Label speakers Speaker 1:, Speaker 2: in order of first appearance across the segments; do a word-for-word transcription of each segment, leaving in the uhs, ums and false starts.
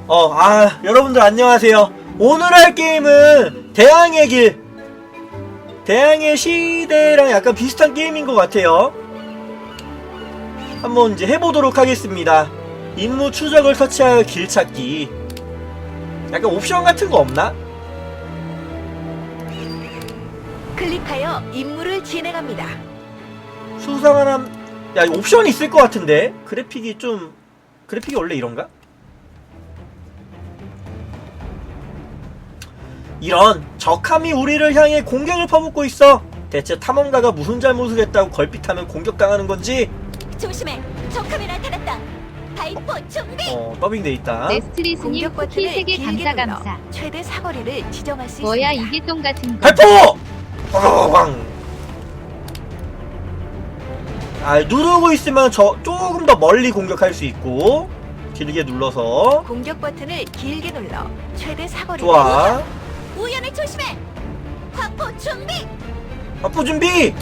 Speaker 1: 어, 아, 여러분들 안녕하세요. 오늘 할 게임은 대항해 길. 대항해 시대랑 약간 비슷한 게임인 것 같아요. 한번 이제 해보도록 하겠습니다. 임무 추적을 터치하여 길 찾기. 약간 옵션 같은 거 없나?
Speaker 2: 클릭하여 임무를 진행합니다.
Speaker 1: 수상한, 야, 옵션이 있을 것 같은데? 그래픽이 좀, 그래픽이 원래 이런가? 이런 적함이 우리를 향해 공격을 퍼붓고 있어. 대체 탐험가가 무슨 잘못을 했다고 걸핏하면 공격당하는 건지.
Speaker 3: 조심해! 적함이 나타났다! 바이퍼 준비!
Speaker 1: 어, 더빙돼 있다.
Speaker 4: 네스트리스님
Speaker 2: 공격
Speaker 4: 쿠키
Speaker 2: 버튼을
Speaker 4: 세 개
Speaker 2: 길게
Speaker 4: 감사
Speaker 2: 눌러
Speaker 4: 감사.
Speaker 2: 최대 사거리를 지정할 수
Speaker 4: 뭐야
Speaker 2: 있습니다.
Speaker 4: 이게 똥 같은 거.
Speaker 1: 발포! 빵! 아, 누르고 있으면 저 조금 더 멀리 공격할 수 있고 길게 눌러서.
Speaker 2: 공격 버튼을 길게 눌러 최대 사거리를
Speaker 1: 좋아.
Speaker 3: 우연을 조심해! 화포 준비!
Speaker 1: 발포 준비!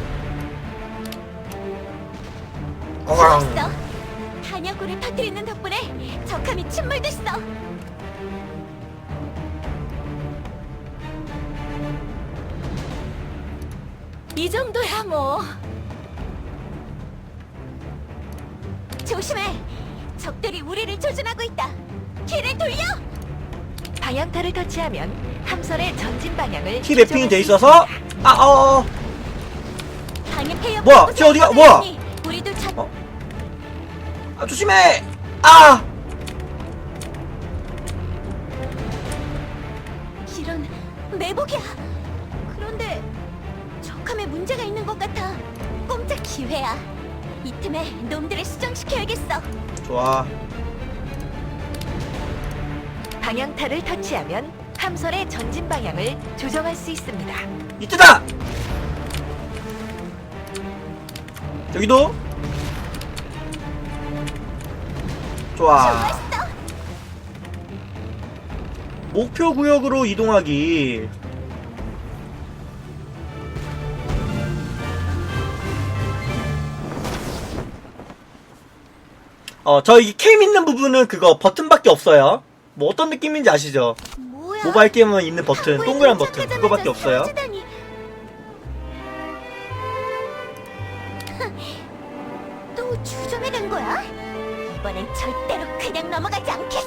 Speaker 1: 꽝!
Speaker 3: 좋았어! 탄약고를 터뜨리는 덕분에 적함이 침몰됐어! 이 정도야 뭐. 조심해! 적들이 우리를 조준하고 있다! 길을 돌려!
Speaker 2: 방향타를 터치하면 함선의 전진 방향을
Speaker 1: 키 맵핑이
Speaker 2: 조정할
Speaker 1: 돼
Speaker 2: 수
Speaker 1: 있어서.
Speaker 2: 있습니다.
Speaker 1: 아, 어, 어.
Speaker 3: 방해 폐업
Speaker 1: 뭐야? 쟤 어디가- 뭐야?
Speaker 3: 우리도 자...
Speaker 1: 어. 아, 조심해! 아!
Speaker 3: 이런 매복이야. 그런데 적함에 문제가 있는 것 같아. 꼼짝 기회야. 이 틈에 놈들을 수정시켜야겠어.
Speaker 1: 좋아.
Speaker 2: 방향타를 터치하면 함선의 전진 방향을 조정할 수 있습니다.
Speaker 1: 이때다! 여기도. 좋아.
Speaker 3: 좋았어.
Speaker 1: 목표 구역으로 이동하기. 어, 저 이 캠 있는 부분은 그거 버튼밖에 없어요. 뭐 어떤 느낌인지 아시죠?
Speaker 3: 뭐야?
Speaker 1: 모바일 게임은 있는 버튼,
Speaker 3: 거의
Speaker 1: 동그란 버튼,
Speaker 3: 도착하자마자
Speaker 1: 그거밖에 없어요.
Speaker 3: 사라지다니. 또 주점해간 거야? 이번엔 절대로 그냥 넘어가지 않겠어.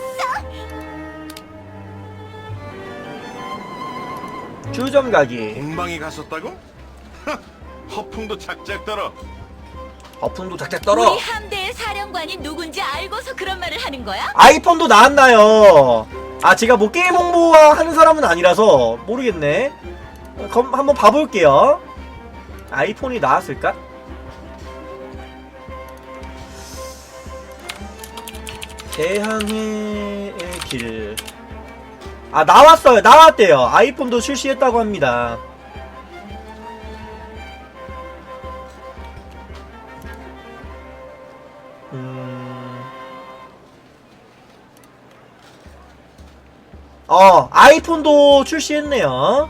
Speaker 1: 주점 가기.
Speaker 5: 공방에 갔었다고? 하, 허풍도 작작 떨어.
Speaker 1: 거품도 작작 떨어.
Speaker 3: 우리 함대의 사령관이 누군지 알고서 그런 말을 하는 거야?
Speaker 1: 아이폰도 나왔나요? 아, 제가 뭐 게임 홍보하는 사람은 아니라서 모르겠네. 어, 검, 한번 봐볼게요. 아이폰이 나왔을까? 대항해의 길. 아, 나왔어요. 나왔대요. 아이폰도 출시했다고 합니다. 음... 어, 아이폰도 출시했네요.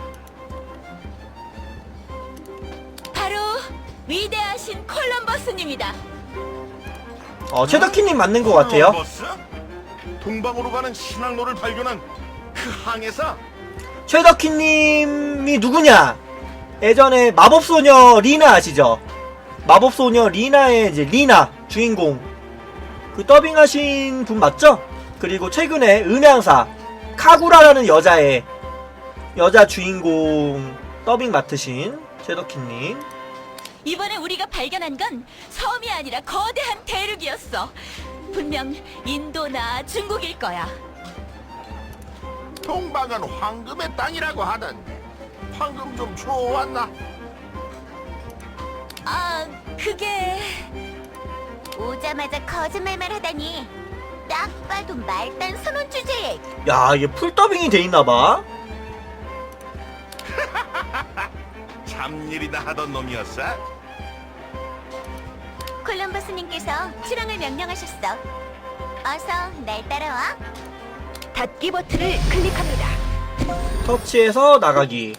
Speaker 3: 바로 위대하신 콜럼버스님이다.
Speaker 1: 어, 최덕희님 맞는 것 같아요.
Speaker 5: 버스? 동방으로 가는 신항로를 발견한 그 항해사?
Speaker 1: 최덕희님이 누구냐? 예전에 마법소녀 리나 아시죠? 마법소녀 리나의 이제 리나 주인공 그 더빙하신 분 맞죠? 그리고 최근에 음향사 카구라라는 여자의 여자 주인공 더빙 맡으신 최덕희님.
Speaker 3: 이번에 우리가 발견한 건 섬이 아니라 거대한 대륙이었어. 분명 인도나 중국일 거야.
Speaker 5: 동방은 황금의 땅이라고 하던데 황금 좀 주워왔나?
Speaker 3: 아, 그게... 오자마자 거짓말만 하다니. 딱 봐도 말단 선언 주제에.
Speaker 1: 야, 이게 풀 더빙이 돼 있나봐.
Speaker 5: 참일이다 하던 놈이었어?
Speaker 3: 콜럼버스님께서 출항을 명령하셨어. 어서 날 따라와.
Speaker 2: 닫기 버튼을 클릭합니다.
Speaker 1: 터치해서 나가기.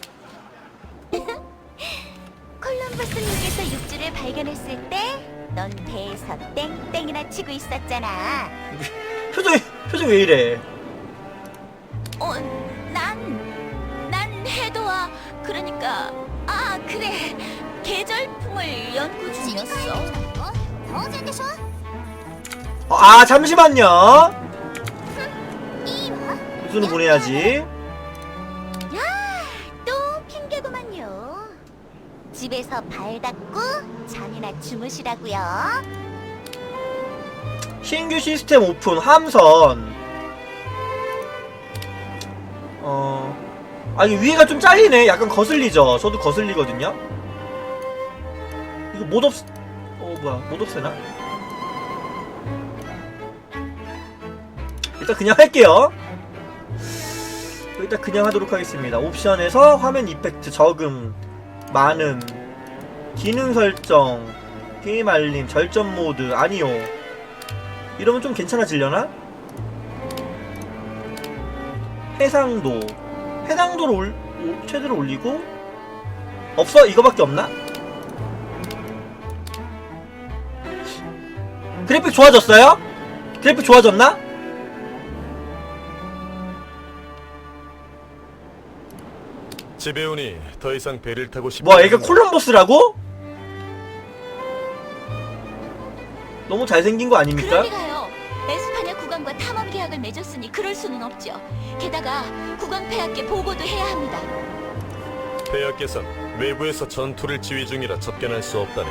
Speaker 3: 콜럼버스님께서 육지를 발견했을 때 넌 배에서 땡땡이나 치고 있었잖아.
Speaker 1: 표정이 표정 왜 이래?
Speaker 3: 어, 난, 난 해도와 그러니까 아 그래 계절풍을 연구 중이었어.
Speaker 1: 어, 아 잠시만요. 수는 보내야지.
Speaker 4: 또 핑계구만요. 집에서 발 닦고 잠이나 주무시라고요.
Speaker 1: 신규 시스템 오픈 함선. 어, 아니 위에가 좀 잘리네. 약간 거슬리죠. 저도 거슬리거든요. 이거 못 없, 어 뭐야 못 없애나? 일단 그냥 할게요. 일단 그냥 하도록 하겠습니다. 옵션에서 화면 이펙트 적음, 많음, 기능 설정, 게임 알림, 절전 모드, 아니요. 이러면 좀 괜찮아지려나? 해상도, 해상도를 올, 올, 최대로 올리고 없어? 이거밖에 없나? 그래픽 좋아졌어요? 그래픽 좋아졌나?
Speaker 5: 집에 오니 더 이상 배를 타고 싶지
Speaker 1: 뭐야 얘가 콜럼버스라고? 너무 잘생긴 거 아닙니까?
Speaker 3: 그럴 리가요. 에스파냐 국왕과 탐험 계약을 맺었으니 그럴 수는 없죠. 게다가 국왕 폐하께 보고도 해야 합니다.
Speaker 5: 폐하께선 외부에서 전투를 지휘 중이라 접견할 수 없다네.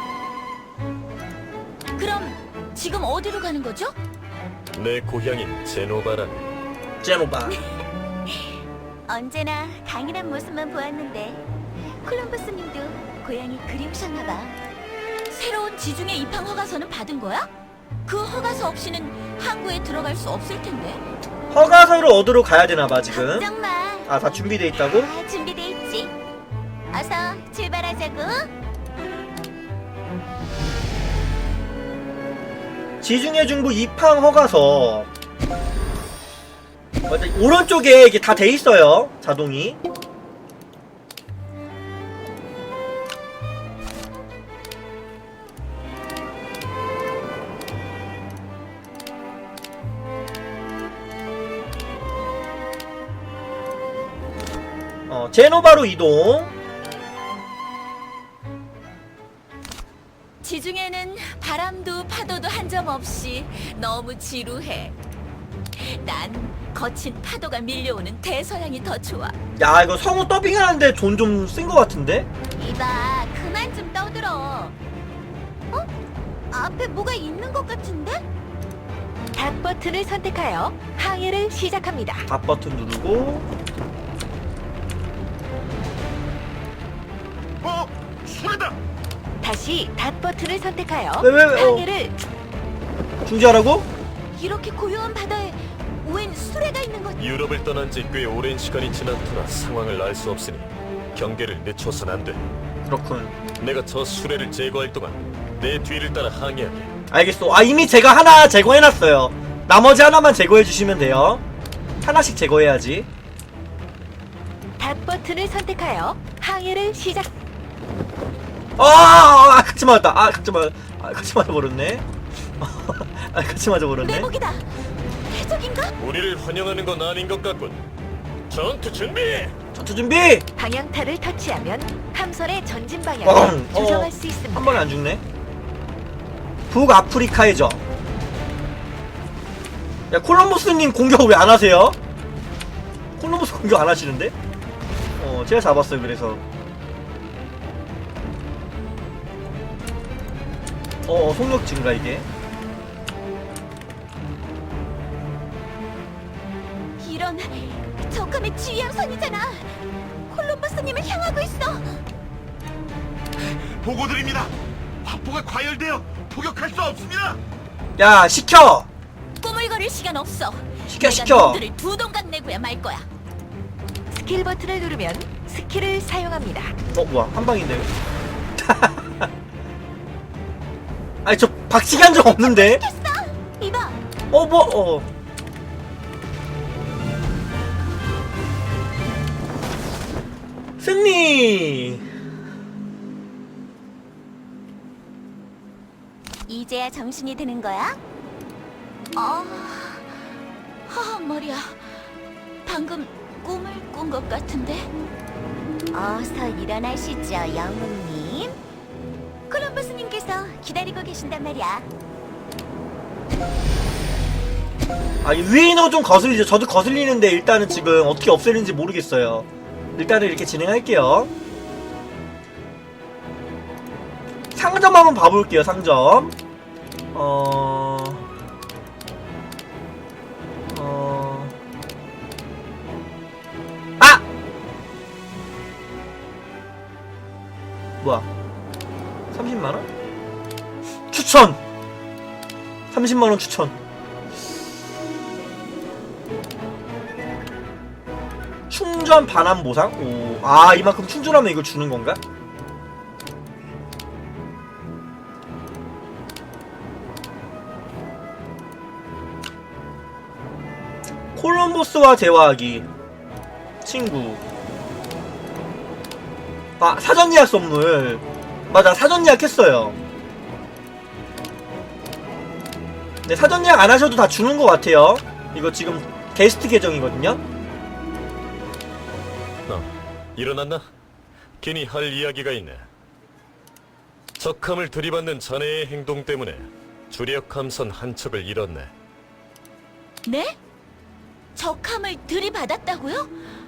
Speaker 3: 그럼 지금 어디로 가는 거죠?
Speaker 5: 내 고향인 제노바라네.
Speaker 1: 제노바.
Speaker 4: 언제나 강인한 모습만 보았는데 콜럼버스님도 고향이 그리우셨나봐.
Speaker 3: 새로운 지중해 입항 허가서는 받은 거야? 그 허가서 없이는 항구에 들어갈 수 없을 텐데.
Speaker 1: 허가서를 얻으러 가야 되나봐 지금.
Speaker 4: 걱정 마.
Speaker 1: 아 다 준비돼 있다고?
Speaker 4: 다 준비돼 있지. 어서 출발하자고.
Speaker 1: 지중해 중부 입항 허가서. 맞아, 오른쪽에 이게 다 돼 있어요 자동이. 어, 제노바로 이동.
Speaker 3: 지중해는 바람도 파도도 한 점 없이 너무 지루해. 난 거친 파도가 밀려오는 대서양이 더 좋아.
Speaker 1: 야 이거 성우 더빙하는데 돈 좀 쓴 것 같은데?
Speaker 4: 이봐, 그만 좀 떠들어. 어? 앞에 뭐가 있는 것 같은데?
Speaker 2: 닷 버튼을 선택하여 항해를 시작합니다.
Speaker 1: 밥 버튼 누르고.
Speaker 5: 어? 소리다!
Speaker 2: 다시 닷 버튼을 선택하여
Speaker 1: 왜, 왜, 왜, 어.
Speaker 2: 항해를
Speaker 1: 중지하라고?
Speaker 4: 이렇게 고요한 바다에 웬 수레가 있는 것?
Speaker 5: 유럽을 떠난 지 꽤 오랜 시간이 지난 터라 상황을 알 수 없으니 경계를 늦춰선 안 돼.
Speaker 1: 그렇군.
Speaker 5: 내가 저 수레를 제거할 동안 내 뒤를 따라 항해하게.
Speaker 1: 알겠어. 아 이미 제가 하나 제거해놨어요. 나머지 하나만 제거해주시면 돼요. 하나씩 제거해야지.
Speaker 2: 닷 버튼을 선택하여 항해를 시작.
Speaker 1: 아, 아, 아 같이 맞았다. 아 같이 맞, 아 같이 맞아버렸네. 아 같이 맞아버렸네.
Speaker 3: 내복이다. 해적인가?
Speaker 5: 우리를 환영하는 건 아닌 것 같군. 전투 준비!
Speaker 1: 전투 준비.
Speaker 2: 방향타를 터치하면 함선의 전진
Speaker 1: 어,
Speaker 2: 방향을
Speaker 1: 어,
Speaker 2: 조정할 수 있습니다.
Speaker 1: 한 번에 안 죽네. 북아프리카의 적. 야 콜럼버스님 공격 왜 안 하세요? 콜럼버스 공격 안 하시는데? 어 제가 잡았어요. 그래서. 어, 어 속력 증가 이게.
Speaker 3: 이런 적함의 지휘함선이잖아. 콜럼버스님을 향하고 있어.
Speaker 5: 보고드립니다. 화포가 과열되어 포격할 수 없습니다.
Speaker 1: 야 시켜.
Speaker 3: 꼬물거릴 시간 없어.
Speaker 1: 시켜,
Speaker 3: 내가
Speaker 1: 시켜.
Speaker 3: 놈들을 두 동강 내고야 말 거야.
Speaker 2: 스킬 버튼을 누르면 스킬을 사용합니다.
Speaker 1: 어 뭐야 한 방인데. 아니 저 박치기 한 적 없는데.
Speaker 3: 이봐.
Speaker 1: 어 뭐 어. 승리.
Speaker 4: 이제야 정신이 드는 거야? 어,
Speaker 3: 아, 머리야. 방금 꿈을 꾼 것 같은데.
Speaker 4: 어서 일어나시죠, 영웅님. 콜럼버스님께서 기다리고 계신단 말이야.
Speaker 1: 아, 이 위에 있는 거 좀 거슬리죠. 저도 거슬리는데 일단은 지금 어떻게 없애는지 모르겠어요. 일단은 이렇게 진행할게요. 상점 한번 봐볼게요. 상점. 어... 어... 아! 뭐야? 삼십만 원? 추천! 삼십만 원 추천. 충전 반환 보상? 오, 아, 이만큼 충전하면 이걸 주는 건가? 콜럼버스와 대화하기. 친구. 아, 사전 예약 선물. 맞아, 사전 예약 했어요. 네, 사전 예약 안 하셔도 다 주는 것 같아요. 이거 지금 게스트 계정이거든요.
Speaker 5: 어, 일어났나? 괜히 할 이야기가 있네. 적함을 들이받는 자네의 행동 때문에 주력 함선 한 척을 잃었네.
Speaker 3: 네? 적함을 들이받았다고요?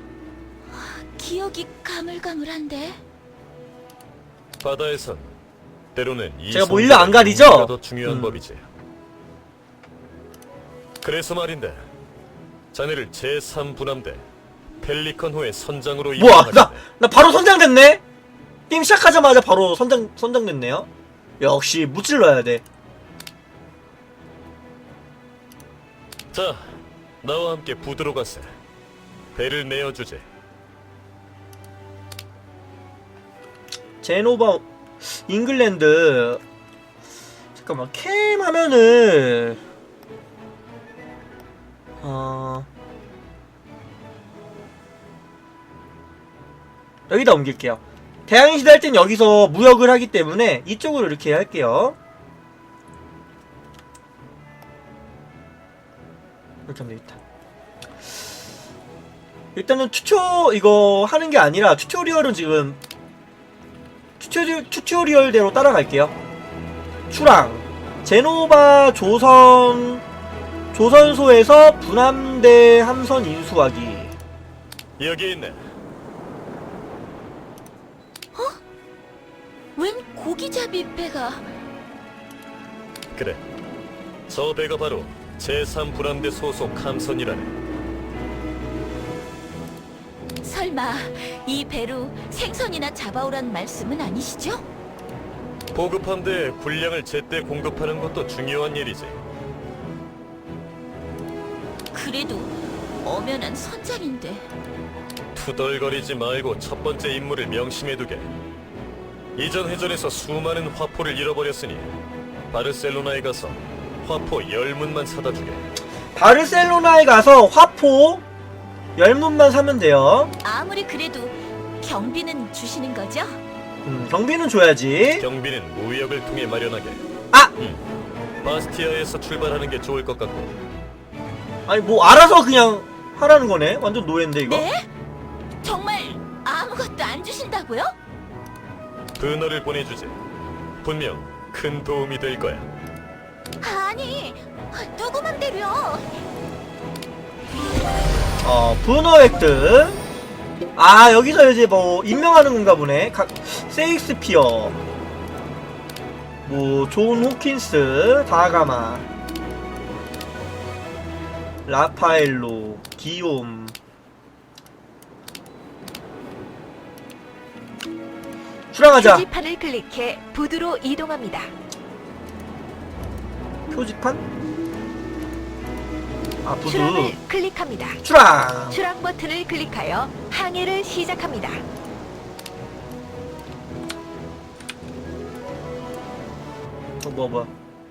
Speaker 3: 기억이 가물가물한데.
Speaker 5: 바다에선 때로는 이
Speaker 1: 제가 뭐 일로 안 가리죠?
Speaker 5: 성공이 더 중요한
Speaker 1: 음.
Speaker 5: 법이지. 그래서 말인데 자네를 제삼 분함대 펠리컨호의 선장으로
Speaker 1: 뭐야,
Speaker 5: 임명하는데
Speaker 1: 나, 나 바로 선장됐네? 게임 시작하자마자 바로 선장, 선장됐네요? 역시 무찔러야 돼.
Speaker 5: 자, 나와 함께 부두로 가세. 배를 내어주지.
Speaker 1: 제노바, 잉글랜드. 잠깐만, 캠 하면은, 어, 여기다 옮길게요. 대항해시대 할 땐 여기서 무역을 하기 때문에 이쪽으로 이렇게 할게요. 이렇게 하면 되겠다. 일단은 튜토 이거 하는 게 아니라 튜토리얼은 지금 튜토리, 튜토리얼대로 따라갈게요. 출항 제노바 조선 조선소에서 분함대 함선 인수하기.
Speaker 5: 여기 있네.
Speaker 3: 웬 고기잡이 배가.
Speaker 5: 그래. 저 배가 바로 제삼 분함대 소속 함선이라네.
Speaker 3: 설마 이 배로 생선이나 잡아오란 말씀은 아니시죠?
Speaker 5: 보급함대에 군량을 제때 공급하는 것도 중요한 일이지.
Speaker 3: 그래도 엄연한 선장인데.
Speaker 5: 투덜거리지 말고 첫 번째 임무를 명심해두게. 이전 회전에서 수많은 화포를 잃어버렸으니 바르셀로나에 가서 화포 열문만 사다 주게.
Speaker 1: 바르셀로나에 가서 화포 열문만 사면 돼요.
Speaker 3: 아무리 그래도 경비는 주시는 거죠?
Speaker 1: 음, 경비는 줘야지.
Speaker 5: 경비는 무역을 통해 마련하게.
Speaker 1: 아!
Speaker 5: 음, 바스티아에서 출발하는 게 좋을 것 같고.
Speaker 1: 아니 뭐 알아서 그냥 하라는 거네. 완전 노예인데 이거.
Speaker 3: 네? 정말 아무것도 안 주신다고요?
Speaker 5: 분어를 보내주지. 분명 큰 도움이 될 거야.
Speaker 4: 아니, 누구 맘대로요?
Speaker 1: 어, 분호 획득. 아, 여기서 이제 뭐 임명하는 건가 보네. 각 세익스피어, 뭐 존 호킨스, 다가마, 라파엘로, 기욤. 출항하자.
Speaker 2: 표지판을 클릭해 부두로 이동합니다.
Speaker 1: 표지판? 아, 부두.
Speaker 2: 출항을 클릭합니다.
Speaker 1: 출항.
Speaker 2: 출항 버튼을 클릭하여 항해를 시작합니다.
Speaker 1: 어, 뭐야 뭐야.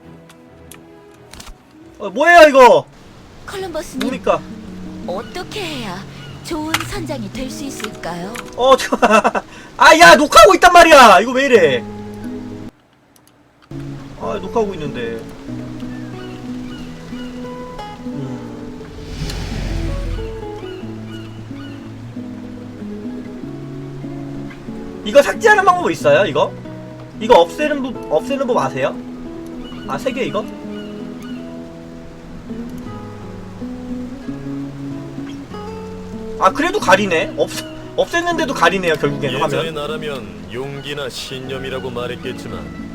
Speaker 1: 어, 뭐예요 이거?
Speaker 3: 콜럼버스님,
Speaker 1: 뭡니까?
Speaker 3: 어떻게 해야 좋은 선장이 될 수 있을까요?
Speaker 1: 어, 저, 아, 야, 녹화하고 있단 말이야! 이거 왜 이래? 아, 녹화하고 있는데. 음. 이거 삭제하는 방법 있어요? 이거? 이거 없애는 법 없애는 법 아세요? 아 세 개 이거? 아 그래도 가리네. 없 없앴는데도 가리네요 결국에는
Speaker 5: 예전의
Speaker 1: 화면.
Speaker 5: 나라면 용기나 신념이라고 말했겠지만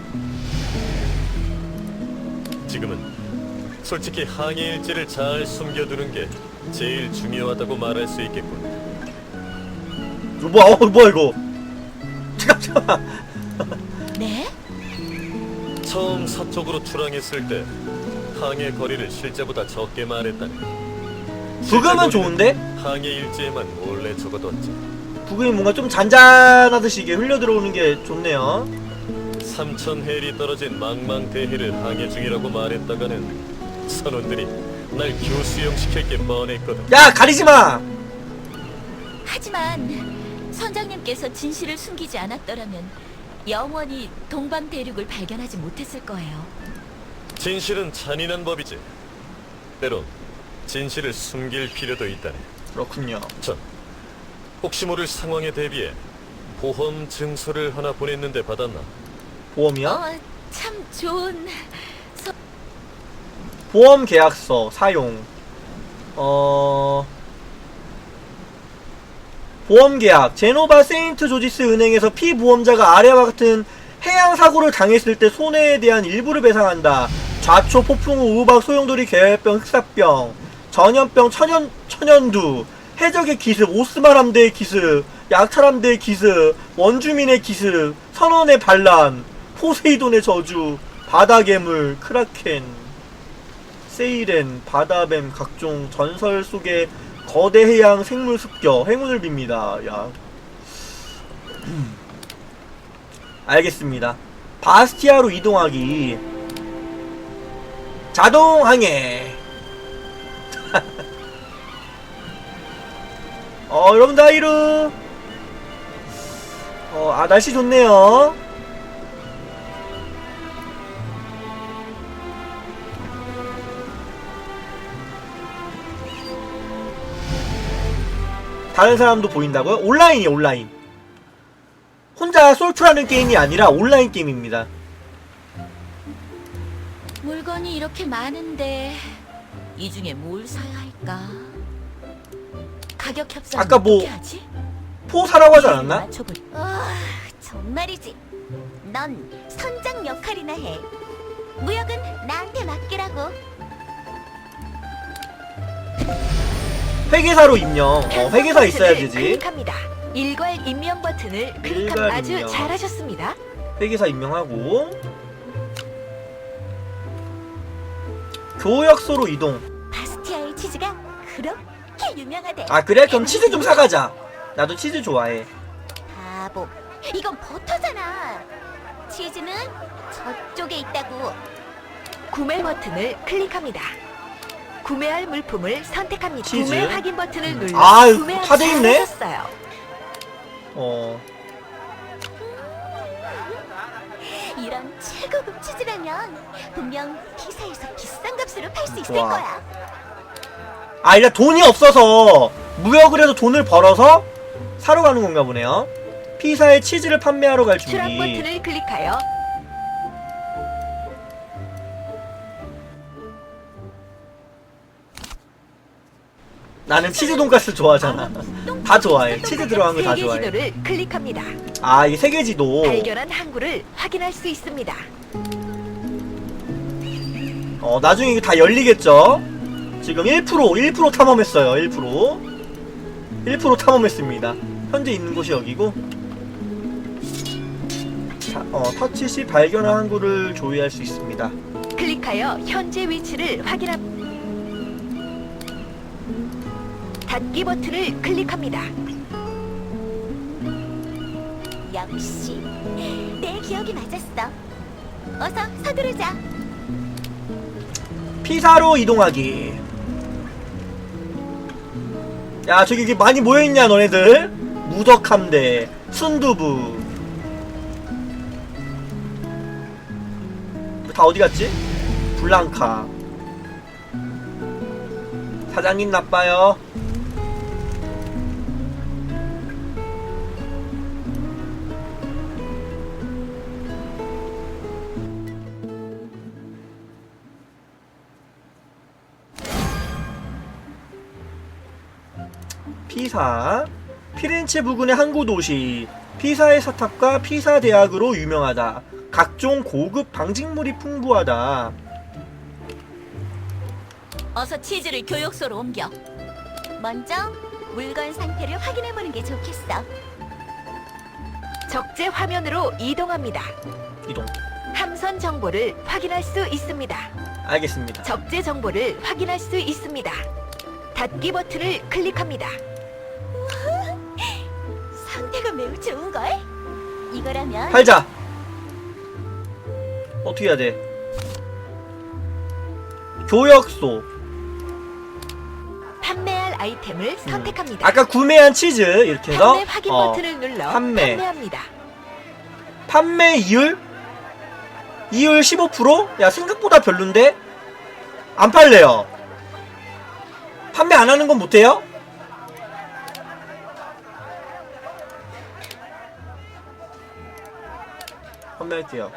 Speaker 5: 지금은 솔직히 항해 일지를 잘 숨겨두는 게 제일 중요하다고 말할 수 있겠군.
Speaker 1: 이거 뭐야? 어 뭐야 이거? 잠깐 잠깐.
Speaker 3: 네?
Speaker 5: 처음 서쪽으로 출항했을 때 항해 거리를 실제보다 적게 말했다네.
Speaker 1: 부금은 좋은데?
Speaker 5: 항해 일지에만 몰래 적어뒀지.
Speaker 1: 부금이 뭔가 좀 잔잔하듯이 이게 흘려 들어오는 게 좋네요.
Speaker 5: 삼천 해리 떨어진 망망대해를 항해 중이라고 말했다가는 선원들이 날 교수형 시킬 게 뻔했거든.
Speaker 1: 야 가리지 마.
Speaker 3: 하지만 선장님께서 진실을 숨기지 않았더라면 영원히 동방 대륙을 발견하지 못했을 거예요.
Speaker 5: 진실은 잔인한 법이지. 때론 진실을 숨길 필요도 있다네.
Speaker 1: 그렇군요.
Speaker 5: 전 혹시 모를 상황에 대비해 보험 증서를 하나 보냈는데 받았나?
Speaker 1: 보험이야?
Speaker 3: 어, 참 좋은 서...
Speaker 1: 보험 계약서 사용. 어 보험 계약. 제노바 세인트 조지스 은행에서 피보험자가 아래와 같은 해양 사고를 당했을 때 손해에 대한 일부를 배상한다. 좌초, 폭풍우, 우박, 소용돌이, 계열병, 흑사병, 전염병, 천연 천연두, 해적의 기습, 오스만 함대의 기습, 약탈 함대의 기습, 원주민의 기습, 선원의 반란, 포세이돈의 저주, 바다괴물, 크라켄, 세이렌, 바다뱀, 각종 전설 속의 거대 해양 생물 습격, 행운을 빕니다. 야. 알겠습니다. 바스티아로 이동하기. 자동 항해. 어, 여러분들 하이루. 어, 아, 날씨 좋네요. 다른 사람도 보인다고요? 온라인이요, 온라인. 혼자 솔프라는 게임이 아니라 온라인 게임입니다.
Speaker 3: 물건이 이렇게 많은데 이 중에 뭘 사야 할까? 가격 협상
Speaker 1: 아까 뭐-
Speaker 3: 어떻게 하지?
Speaker 1: 포 사라고 하지 않았나?
Speaker 3: 맞춰볼...
Speaker 4: 아, 정말이지. 넌 선장 역할이나 해. 무역은 나한테 맡기라고.
Speaker 1: 회계사로 임명. 어, 회계사 있어야 되지.
Speaker 2: 클릭합니다. 일괄 임명 버튼을 클릭하면
Speaker 1: 일괄
Speaker 2: 아주
Speaker 1: 임명.
Speaker 2: 잘하셨습니다.
Speaker 1: 회계사 임명하고 교역소로 이동.
Speaker 4: 바스티아의 치즈가 그렇게 유명하대.
Speaker 1: 아 그래? 그럼 치즈 좀 사가자. 나도 치즈 좋아해.
Speaker 4: 바보. 이건 버터잖아. 치즈는 저쪽에 있다고.
Speaker 2: 구매 버튼을 클릭합니다. 구매할 물품을 선택합니다.
Speaker 1: 치즈?
Speaker 2: 구매 확인 버튼을 눌러
Speaker 1: 아,
Speaker 2: 구매하기
Speaker 1: 다 돼 있네?
Speaker 2: 잘하셨어요.
Speaker 1: 어
Speaker 4: 이런 최고급 치즈라면 분명 피사에서 비싼 값으로 팔 수 있을
Speaker 1: 좋아.
Speaker 4: 거야.
Speaker 1: 아, 일단 돈이 없어서 무역을 해서 돈을 벌어서 사러 가는 건가 보네요. 피사에 치즈를 판매하러 갈 준비.
Speaker 2: 추락 버튼을 클릭하여
Speaker 1: 나는 치즈 돈가스 좋아하잖아. 다 좋아해. 치즈 들어간 거 다
Speaker 2: 세계
Speaker 1: 좋아해.
Speaker 2: 지도를 클릭합니다.
Speaker 1: 아, 이게 세계지도.
Speaker 2: 발견한 항구를 확인할 수 있습니다.
Speaker 1: 어, 나중에 이게 다 열리겠죠? 지금 일 퍼센트, 일 퍼센트 탐험했어요. 일 퍼센트. 일 퍼센트 탐험했습니다. 현재 있는 곳이 여기고. 자, 어, 터치 시 발견한 항구를 조회할 수 있습니다.
Speaker 2: 클릭하여 현재 위치를 확인합니다. 닫기 버튼을 클릭합니다.
Speaker 4: 역시 내 기억이 맞았어. 어서 서두르자.
Speaker 1: 피사로 이동하기. 야, 저기 이렇게 많이 모여있냐 너네들? 무적함대, 순두부. 다 어디 갔지? 블랑카. 사장님 나빠요. 피사. 피렌체 부근의 항구 도시. 피사의 사탑과 피사 대학으로 유명하다. 각종 고급 방직물이 풍부하다.
Speaker 3: 어서 치즈를 교육소로 옮겨.
Speaker 4: 먼저 물건 상태를 확인해보는 게 좋겠어.
Speaker 2: 적재 화면으로 이동합니다.
Speaker 1: 이동.
Speaker 2: 함선 정보를 확인할 수 있습니다.
Speaker 1: 알겠습니다.
Speaker 2: 적재 정보를 확인할 수 있습니다. 닫기 버튼을 클릭합니다.
Speaker 4: 상태가 매우 좋은걸? 이거라면
Speaker 1: 팔자. 어떻게 해야 돼? 교역소.
Speaker 2: 판매할 아이템을 선택합니다.
Speaker 1: 아까 구매한 치즈 이렇게 해서
Speaker 2: 판매 확인
Speaker 1: 어,
Speaker 2: 버튼을 눌러
Speaker 1: 판매.
Speaker 2: 판매합니다.
Speaker 1: 판매 이율? 이율 십오 퍼센트? 야, 생각보다 별론데? 안 팔래요. 판매 안 하는 건 못해요? 판매할게요.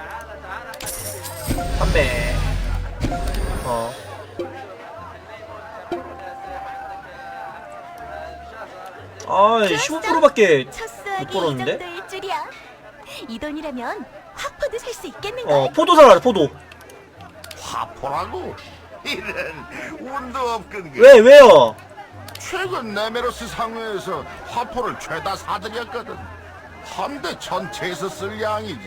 Speaker 1: 판매. 어. 아, 십오 퍼센트밖에 못
Speaker 4: 첫수하기 이
Speaker 1: 벌었는데?
Speaker 4: 정도일 줄이야. 이 돈이라면 화포도 살 수 있겠는걸?
Speaker 1: 어, 포도 사라, 포도.
Speaker 6: 화포라고? 이런 운도 없건 게
Speaker 1: 왜, 왜요?
Speaker 6: 최근 네메로스 상회에서 화포를 죄다 사들였거든. 함대 전체에서 쓸 양이지.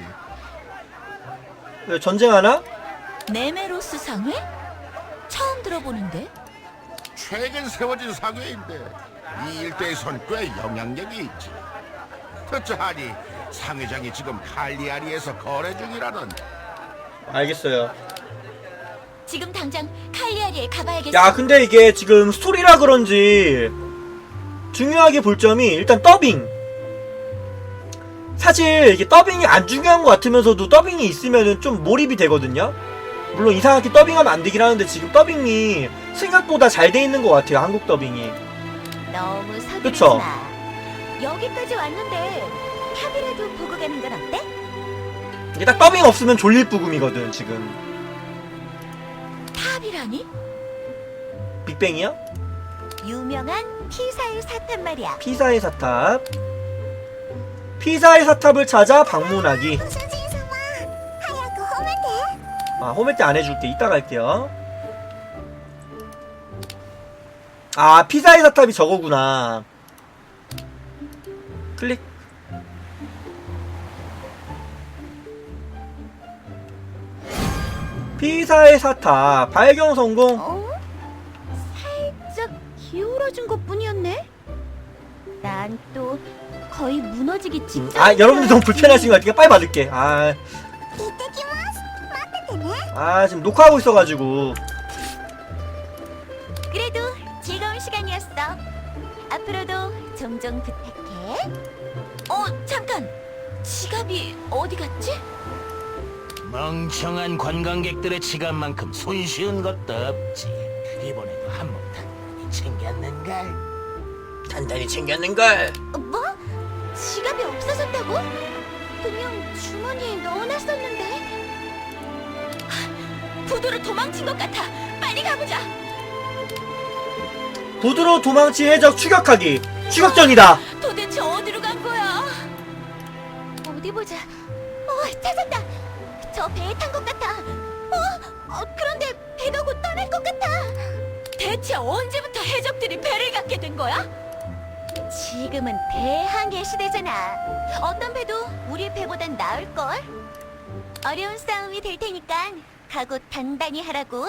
Speaker 1: 왜, 전쟁하나?
Speaker 3: 네메로스 상회? 처음 들어보는데?
Speaker 6: 최근 세워진 상회인데 이 일대에선 꽤 영향력이 있지. 듣자하니 상회장이 지금 칼리아리에서 거래 중이라는.
Speaker 1: 알겠어요.
Speaker 3: 지금 당장 칼리아리에 가봐야겠어.
Speaker 1: 야, 근데 이게 지금 스토리라 그런지 중요하게 볼 점이 일단 더빙. 사실 이게 더빙이 안 중요한 것 같으면서도 더빙이 있으면은 좀 몰입이 되거든요. 물론 이상하게 더빙하면 안 되긴 하는데 지금 더빙이 생각보다 잘 돼 있는 것 같아요. 한국 더빙이.
Speaker 4: 너무 서두르지
Speaker 1: 그쵸?
Speaker 4: 마. 여기까지 왔는데 탑이라도 보고 가는 건 어때?
Speaker 1: 이게 딱 더빙 없으면 졸릴 부금이거든 지금.
Speaker 3: 탑이라니?
Speaker 1: 빅뱅이요?
Speaker 4: 유명한 피사의 사탑 말이야.
Speaker 1: 피사의 사탑. 피사의 사탑을 찾아 방문하기.
Speaker 4: 하얗고 험한데?
Speaker 1: 아, 홈에 때 안 해줄게. 이따 갈게요. 아, 피사의 사탑이 저거구나. 클릭. 피사의 사탑 발견 성공.
Speaker 4: 어? 살짝 기울어진 것 뿐이었네? 난 또 거의 무너지기 직전.
Speaker 1: 아, 여러분들 너무 불편하신 것 같으니까 빨리 받을게. 아, 아 지금 녹화하고 있어가지고.
Speaker 4: 그래도 즐거운 시간이었어. 앞으로도 종종 부탁해.
Speaker 3: 어, 잠깐! 지갑이 어디 갔지?
Speaker 7: 멍청한 관광객들의 지갑만큼 손쉬운 것도 없지. 이번에도 한몫 단단히 챙겼는걸.
Speaker 1: 단단히 챙겼는걸.
Speaker 4: 어, 뭐? 지갑이 없어졌다고? 그냥 주머니에 넣어놨었는데.
Speaker 3: 부두로 도망친 것 같아. 빨리 가보자.
Speaker 1: 부두로 도망친 해적 추격하기. 추격전이다.
Speaker 3: 도대체 어디로 간 거야?
Speaker 4: 어디 보자. 어, 찾았다. 저 배에 탄 것 같아. 어, 어, 그런데 배가 곧 떠날 것 같아.
Speaker 3: 대체 언제부터 해적들이 배를 갖게 된 거야?
Speaker 4: 지금은 대항해 시대잖아. 어떤 배도 우리 배보단 나을걸? 어려운 싸움이 될 테니까 각오 단단히 하라고.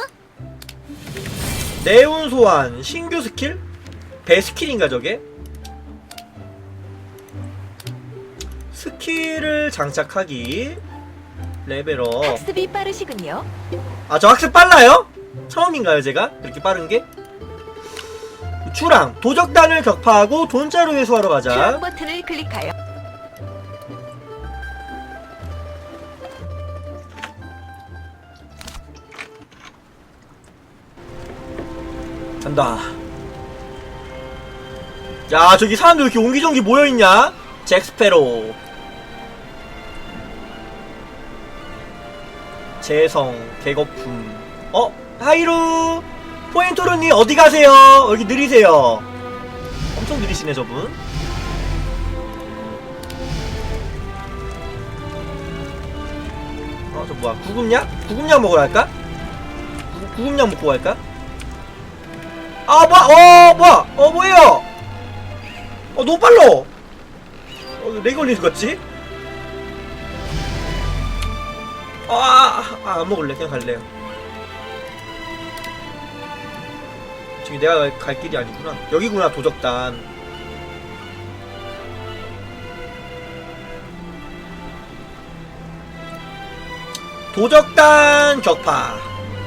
Speaker 1: 네온 소환 신규 스킬? 배 스킬인가 저게? 스킬을 장착하기. 레벨업.
Speaker 2: 학습이 빠르시군요.
Speaker 1: 아, 저 학습 빨라요? 처음인가요 제가? 이렇게 빠른게? 추랑 도적단을 격파하고 돈자루 회수하러 가자.
Speaker 2: 추락 버튼을 클릭하여
Speaker 1: 간다. 야, 저기 사람들 왜 이렇게 옹기종기 모여있냐? 잭스페로. 재성, 개거품. 어? 하이루! 포인토르님 어디 가세요? 여기 느리세요. 엄청 느리시네 저분. 어, 저 뭐야? 구급약? 구급약 먹으러 갈까? 구, 구급약 먹고 갈까? 아, 뭐야? 어, 뭐야? 어, 뭐예요? 어, 너무 빨라! 어, 렉 걸리는 것 같지? 아, 아, 안 먹을래. 그냥 갈래요. 지금 내가 갈, 갈 길이 아니구나. 여기구나, 도적단. 도적단 격파.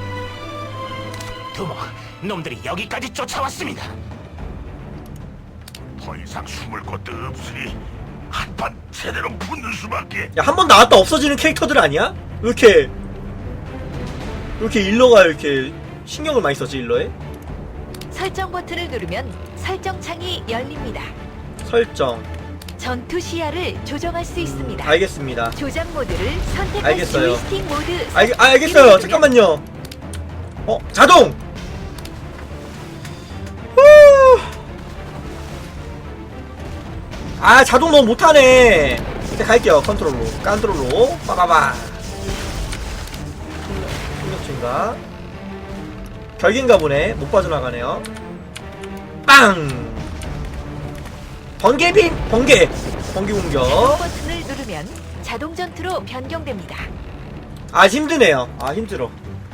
Speaker 7: 두목, 놈들이 여기까지 쫓아왔습니다.
Speaker 6: 더 이상 숨을 곳도 없으니 한판 제대로 붙는 수밖에.
Speaker 1: 야, 한 번 나왔다 없어지는 캐릭터들 아니야? 왜 이렇게 왜 이렇게 일러가 이렇게 신경을 많이 썼지, 일러에?
Speaker 2: 설정 버튼을 누르면 설정 창이 열립니다.
Speaker 1: 설정.
Speaker 2: 전투 시야를 조정할 수 있습니다.
Speaker 1: 알겠습니다.
Speaker 2: 조작 모드를 선택할
Speaker 1: 알겠어요.
Speaker 2: 조이스틱 모드.
Speaker 1: 알, 아, 알겠어요. 잠깐만요. 어, 자동. 후. 아, 자동 너무 못하네. 이제 갈게요. 컨트롤로. 컨트롤로. 빠바바. 충격 증가. 결계인가 보네. 못 빠져나가네요. 빵! 번개빔! 번개! 번개 공격.
Speaker 2: 버튼을 누르면 자동 전투로 변경됩니다.
Speaker 1: 아, 힘드네요. 아, 힘들어.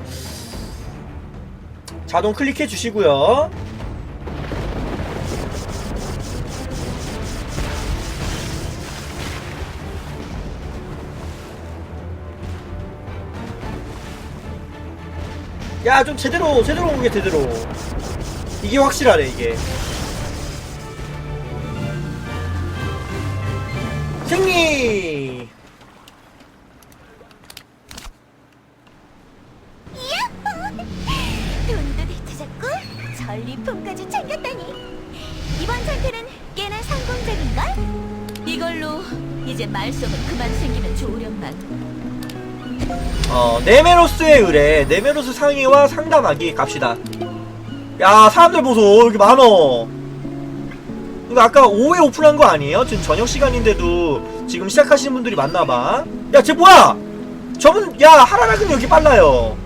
Speaker 1: 자동 클릭해 주시고요. 야, 좀 제대로 제대로 오게 제대로. 이게 확실하네, 이게. 승리!
Speaker 4: 돈도 되찾았고 전리품까지 챙겼다니. 이번 전투는 꽤나 성공적인걸?
Speaker 3: 이걸로 이제 말썽은 그만 생기면 좋으련만.
Speaker 1: 어, 네메로스의 의뢰, 네메로스 상의와 상담하기 갑시다. 야, 사람들 보소. 여기 많어. 이거 아까 오후에 오픈한 거 아니에요? 지금 저녁 시간인데도 지금 시작하시는 분들이 많나봐. 야, 쟤 뭐야? 저분, 야, 하라락은 여기 빨라요.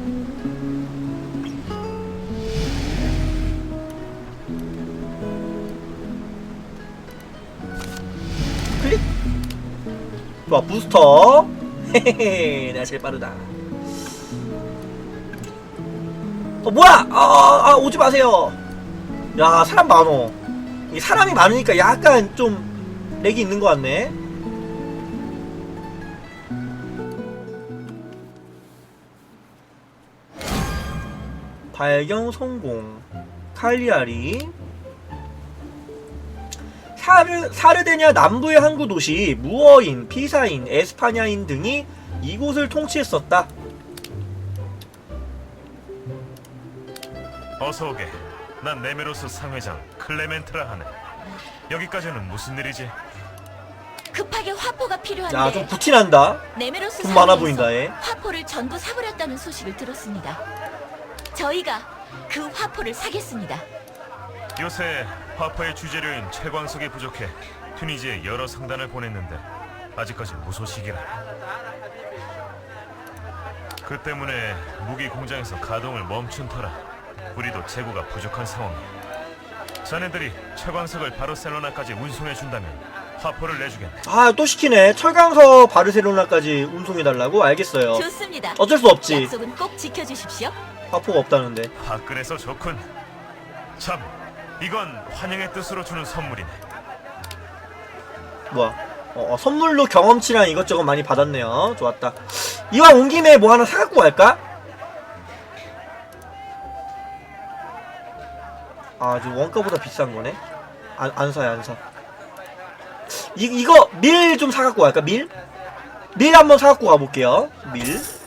Speaker 1: 클릭. 좋아, 부스터. 헤헤헤, 내가 제일 빠르다. 어, 뭐야? 아, 아, 아, 오지 마세요. 야, 사람 많어. 이 사람이 많으니까 약간 좀 렉이 있는 것 같네. 발견 성공. 칼리아리. 사르, 사르데냐 남부의 항구 도시 무어인, 피사인, 에스파냐인 등이 이곳을 통치했었다.
Speaker 8: 어서 오게. 난 네메로스 상회장 클레멘트라 하네. 여기까지는 무슨 일이지?
Speaker 3: 급하게 화포가 필요한데.
Speaker 1: 야, 좀 부티난다.
Speaker 3: 네메로스
Speaker 1: 돈 많아
Speaker 3: 상회에서
Speaker 1: 보인다, 얘.
Speaker 3: 화포를 전부 사버렸다는 소식을 들었습니다. 저희가 그 화포를 사겠습니다.
Speaker 8: 요새 화포의 주재료인 채광석이 부족해 튜니지에 여러 상단을 보냈는데 아직까지 무소식이라. 그 때문에 무기 공장에서 가동을 멈춘 터라 우리도 재고가 부족한 상황이야. 자네들이 채광석을 바르셀로나까지 운송해준다면 화포를 내주겠네.
Speaker 1: 아, 또 시키네. 철강서 바르셀로나까지 운송해달라고? 알겠어요.
Speaker 3: 좋습니다.
Speaker 1: 어쩔 수 없지.
Speaker 3: 약속은 꼭 지켜주십시오.
Speaker 1: 화포가 없다는데.
Speaker 8: 화끈해서 좋군. 참, 이건 환영의 뜻으로 주는 선물이네.
Speaker 1: 뭐야? 어, 어, 선물로 경험치랑 이것저것 많이 받았네요. 좋았다. 이왕 온 김에 뭐 하나 사갖고 갈까? 아, 지금 원가보다 비싼 거네. 안, 안 사요, 안 사. 이, 이거 밀 좀 사갖고 갈까? 밀? 밀 한번 사갖고 가볼게요. 밀.